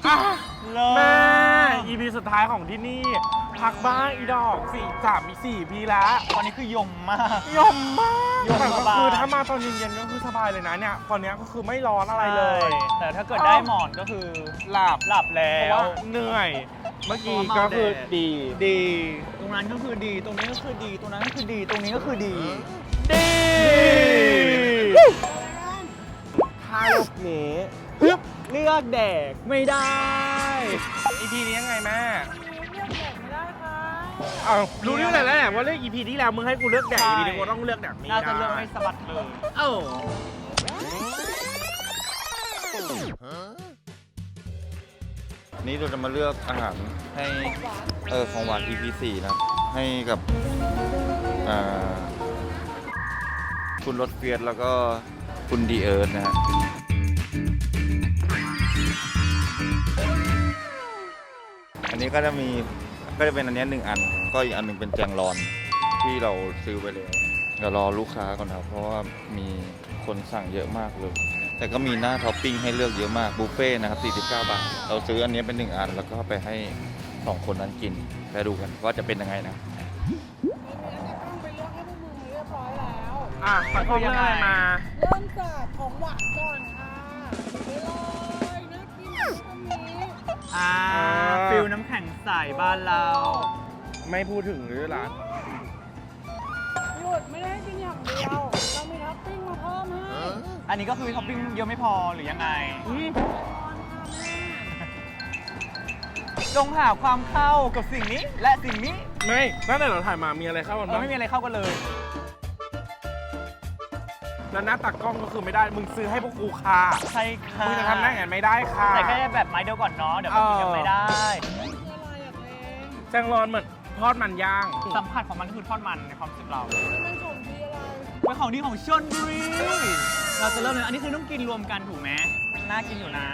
แม่ EP สุดท้ายของที่นี่พักบ้างอีดอก4 ปีแล้วตอนนี้คือยมมากยมมากยมแต่สก็บายคือถ้ามาตอนเย็นๆก็คือสบายเลยนะเนี่ยตอนนี้ก็คือไม่ร้อนอะไรเลยแต่ถ้าเกิดได้หมอนก็คือหลับหลับแล้เพราะวว่าเหนื่อย เมื่อกี้ก็คือดีตรงนั้นก็คือดีตรงนี้ก็คือดีตรงนั้นก็คือดีตรงนี้ก็คือดีถ้าลูกนี้ปึ๊บเลือกแดกไม่ได้ EP นี้ยังไงแม่เอารู้เรื่องอะไรแล้วแหละว่าเลือก EP ที่แล้วมึงให้กูเลือกแดก EP นี้กูต้องเลือกแดกนี้น่าจะเลือกให้สะบัดเลยเอ้านี้เราจะมาเลือกอาหารให้ของหวาน EP 4นะครับให้กับคุณรถเฟียสแล้วก็คุณดีเอิร์ธนะฮะอันนี้ก็จะเป็นอันนี้1 อันก็อีกอันหนึ่งเป็นแจงรอนที่เราซื้อไปแล้วเดี๋ยวรอลูกค้าก่อนครับเพราะว่ามีคนสั่งเยอะมากเลยแต่ก็มีหน้าท็อปปิ้งให้เลือกเยอะมากบุฟเฟ่ต์นะครับ49 บาทเราซื้ออันนี้เป็น1 อันแล้วก็ไปให้2 คนนั้นกินไปดูกันว่าจะเป็นยังไงนะเขาเลือกอะไรมาเริ่มจากของหวานก่อนค่ะไปเลยน่ากินตรงนี้ฟิลน้ำแข็งใสบ้านเราไม่พูดถึงหรือร้านหยุดไม่ได้ให้กินอย่างเดียว เรามีท็อปปิ้งมาเพิ่มให้อันนี้ก็คือท็อปปิ้งเยอะไม่พอหรือยังไงจงหาความเข้ากับสิ่งนี้และสิ่งนี้ไม่ตั้งแต่เราถ่ายมามีอะไรเข้ากันบ้างไม่มีอะไรเข้ากันเลยแล้วหน้าตักกล้องก็คือไม่ได้มึงซื้อให้พวกกูค่ะใช่ค่ะมึงจะทำได้ไงไม่ได้ค่ะแต่แค่แบบไม้เดียวก่อนเนาะเดี๋ยวมันกินกันไม่ได้คืออะไรอ่ะเพลงแจงรอนเหมือนทอดมันย่างสัมผัสของมันก็คือทอดมันในความรู้สึกเรามันของดีอะไรเป็นของดีของชลบุรีเราจะเริ่มเลยอันนี้คือต้องกินรวมกันถูกไหมน่ากินอยู่นะ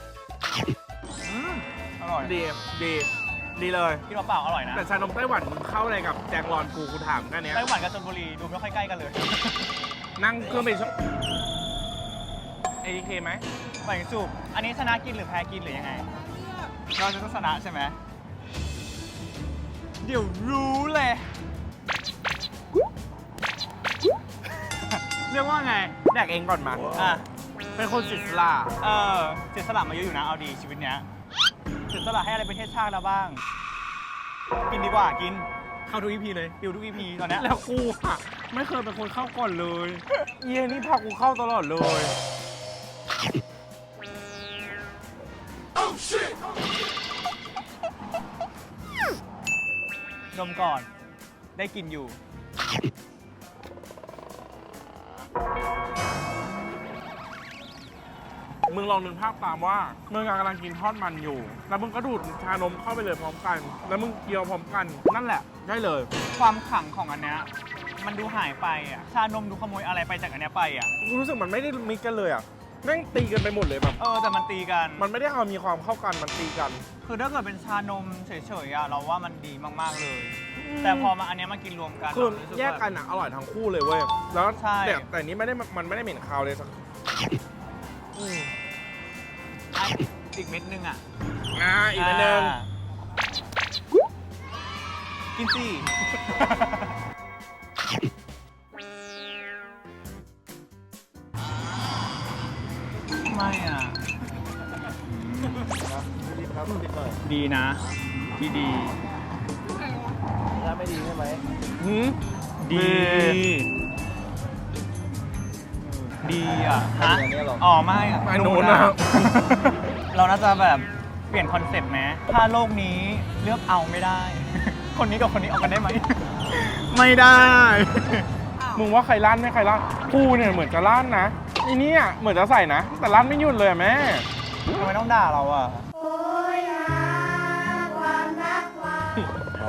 อร่อยดีเลยกินเปล่าๆอร่อยนะแต่ชานมไต้หวันมึงเข้าอะไรกับแจงรอนกูถามแค่เนี้ยไต้หวันกับชลบุรีดูไม่ค่อยใกล้กันเลยนั่งเครื่องบินATK ไหมไปสูบอันนี้ชนะกินหรือแพ้กินหรือยังไงเราจะต้องชนะใช่ไหมเดี๋ยวรู้เลย เรียกว่าไงแดกเองก่อนมาอ่ะเป็นคนศิษลาเสียสละมาเยอะอยู่นะ เอาดีชีวิตเนี้ยเสียสละให้อะไรประเทศชาติแล้วบ้าง กินดีกว่ากิน เข้าทุก EP เลยปิวทุก EP ตอนเนี้ยแล้วกูอะไม่เคยเป็นคนเข้าก่อนเลยเย็นนี่พากูเข้าตลอดเลยดมก่อน ได้กินอยู่มึงลองนึกภาพตามว่ามึงกำลังกินทอดมันอยู่ แล้วมึงก็ดูดชานมเข้าไปเลยพร้อมกัน แล้วมึงเคี้ยวพร้อมกัน นั่นแหละได้เลยความขลังของอันเนี้ยมันดูหายไปอ่ะ ชานมดูขโมยอะไรไปจากอันเนี้ยไปอ่ะกูรู้สึกมันไม่ได้มิกกันเลยอ่ะแม่งตีกันไปหมดเลยแบบแต่มันตีกันมันไม่ได้เอามีความเข้ากันมันตีกันคือถ้าเกิดเป็นชานมเฉยๆอะเราว่ามันดีมากๆเลย แต่พอมาอันเนี้ยมากินรวมกันคือเรารู้สึแยกกันอ่ะอร่อยทั้งคู่เลยเว้ย แล้วใช่แต่นี้ไม่ได้มันไม่ได้เหม็นคาวเลยสักอ่ะอีกเม็ดนึงอ่ะอีกนิดนึงกินสิ ไม่อ่ะ ดีนะ ดีถ้าไม่ดีใช่ไหมหืมดี ดีอ่ะอันนี้หรออ๋อไม่อ่ะไม่โน้นนะเราน่าจะแบบเปลี่ยนคอนเซ็ปต์ไหมถ้าโลกนี้เลือกเอาไม่ได้ คนนี้กับคนนี้เอากันได้ไหม ไม่ได้มึงว่าใครลั่นไม่ใครลั่นกูเนี่ยเหมือนจะลั่นนะอีเนี่ยเหมือนจะใส่นะ แต่ลั่นไม่หยุดเลยอะแม่ทำไมต้องด่าเราอ่ะอ๋อ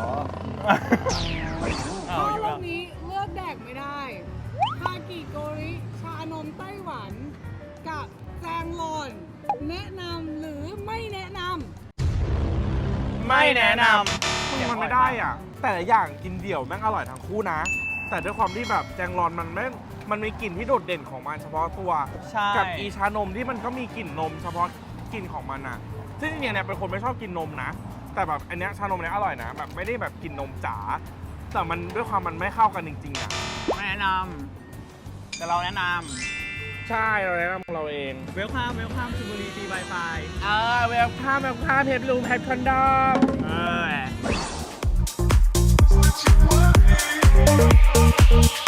เอาอยู่รอแล้บวนี้เลือกแดกไม่ได้คากิโกริชานมไต้หวัน กับแจงรอน แนะนำหรือไม่แนะนไม่แนะนมันไม่ได้อ่ะ แต่ละอย่างกินเดี่ยวแม่งอร่อยทั้งคู่นะ แต่ด้วยความที่แบบแจงรอนมันมีกลิ่นที่โดดเด่นของมันเฉพาะตัวใช่กับอีชานมที่มันก็มีกลิ่นนมเฉพาะกลิ่นของมันอะซึ่งจริงๆเนี่ยเป็นคนไม่ชอบกินนมนะ แต่แบบอันเนี้ยชานมเนี้ยอร่อยนะแบบไม่ได้แบบกินนมจ๋าแต่มันด้วยความมันไม่เข้ากันจริงๆอะไม่แนะนำแต่เราแนะนใช่เราแนะนำของเราเองำเวลคัมชลบุรีฟรี Wi-Fi เวลค่าเพชรลูมเพชรคอนดอมเออ